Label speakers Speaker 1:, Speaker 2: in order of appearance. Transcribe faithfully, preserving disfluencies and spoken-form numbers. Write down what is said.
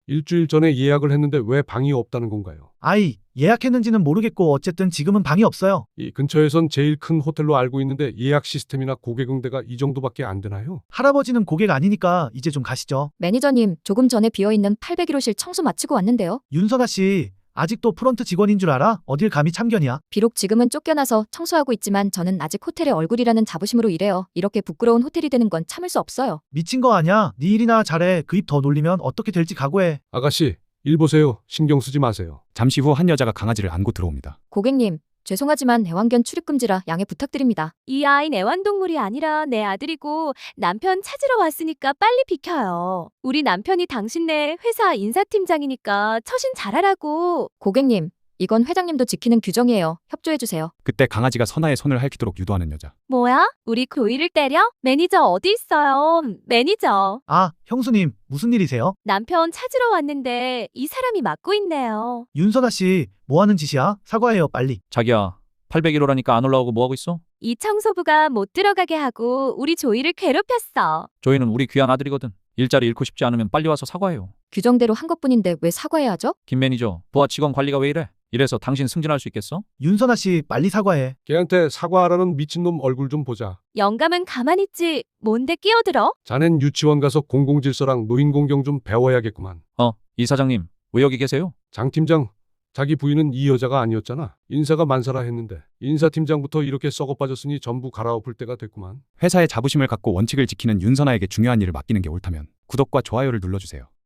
Speaker 1: 일주일 전에 예약을 했는데 왜 방이 없다는 건가요?
Speaker 2: 아이, 예약했는지는 모르겠고 어쨌든 지금은 방이 없어요.
Speaker 1: 이 근처에선 제일 큰 호텔로 알고 있는데 예약 시스템이나 고객 응대가 이 정도밖에 안 되나요?
Speaker 2: 할아버지는 고객 아니니까 이제 좀 가시죠.
Speaker 3: 매니저님, 조금 전에 비어있는 팔백일 호실 청소 마치고 왔는데요.
Speaker 2: 윤선아 씨, 아직도 프런트 직원인 줄 알아? 어딜 감히 참견이야?
Speaker 3: 비록 지금은 쫓겨나서 청소하고 있지만 저는 아직 호텔의 얼굴이라는 자부심으로 일해요. 이렇게 부끄러운 호텔이 되는 건 참을 수 없어요.
Speaker 2: 미친 거 아냐? 네 일이나 잘해. 그 입 더 놀리면 어떻게 될지 각오해.
Speaker 1: 아가씨, 일 보세요. 신경 쓰지 마세요.
Speaker 4: 잠시 후 한 여자가 강아지를 안고 들어옵니다.
Speaker 3: 고객님, 죄송하지만 애완견 출입금지라 양해 부탁드립니다.
Speaker 5: 이 아이는 애완동물이 아니라 내 아들이고 남편 찾으러 왔으니까 빨리 비켜요. 우리 남편이 당신네 회사 인사팀장이니까 처신 잘하라고.
Speaker 3: 고객님, 이건 회장님도 지키는 규정이에요. 협조해주세요.
Speaker 4: 그때 강아지가 선아의 손을 핥히도록 유도하는 여자.
Speaker 5: 뭐야? 우리 고이를 때려? 매니저 어디 있어요? 매니저.
Speaker 2: 아, 형수님, 무슨 일이세요?
Speaker 5: 남편 찾으러 왔는데 이 사람이 맡고 있네요.
Speaker 2: 윤선아 씨, 뭐 하는 짓이야? 사과해요, 빨리.
Speaker 6: 자기야, 팔백일 호라니까 안 올라오고 뭐하고 있어?
Speaker 5: 이 청소부가 못 들어가게 하고 우리 조이를 괴롭혔어.
Speaker 6: 조이는 우리 귀한 아들이거든. 일자리 잃고 싶지 않으면 빨리 와서 사과해요.
Speaker 3: 규정대로 한 것뿐인데 왜 사과해야 하죠?
Speaker 6: 김 매니저, 부하 직원 관리가 왜 이래? 이래서 당신 승진할 수 있겠어?
Speaker 2: 윤선아 씨, 빨리 사과해.
Speaker 1: 걔한테 사과하라는 미친놈 얼굴 좀 보자.
Speaker 5: 영감은 가만히 있지. 뭔데 끼어들어?
Speaker 1: 자넨 유치원 가서 공공질서랑 노인공경 좀 배워야겠구만.
Speaker 6: 어, 이 사장님, 왜 여기 계세요?
Speaker 1: 장 팀장, 자기 부인은 이 여자가 아니었잖아. 인사가 만사라 했는데 인사팀장부터 이렇게 썩어 빠졌으니 전부 갈아엎을 때가 됐구만.
Speaker 4: 회사의 자부심을 갖고 원칙을 지키는 윤선아에게 중요한 일을 맡기는 게 옳다면 구독과 좋아요를 눌러주세요.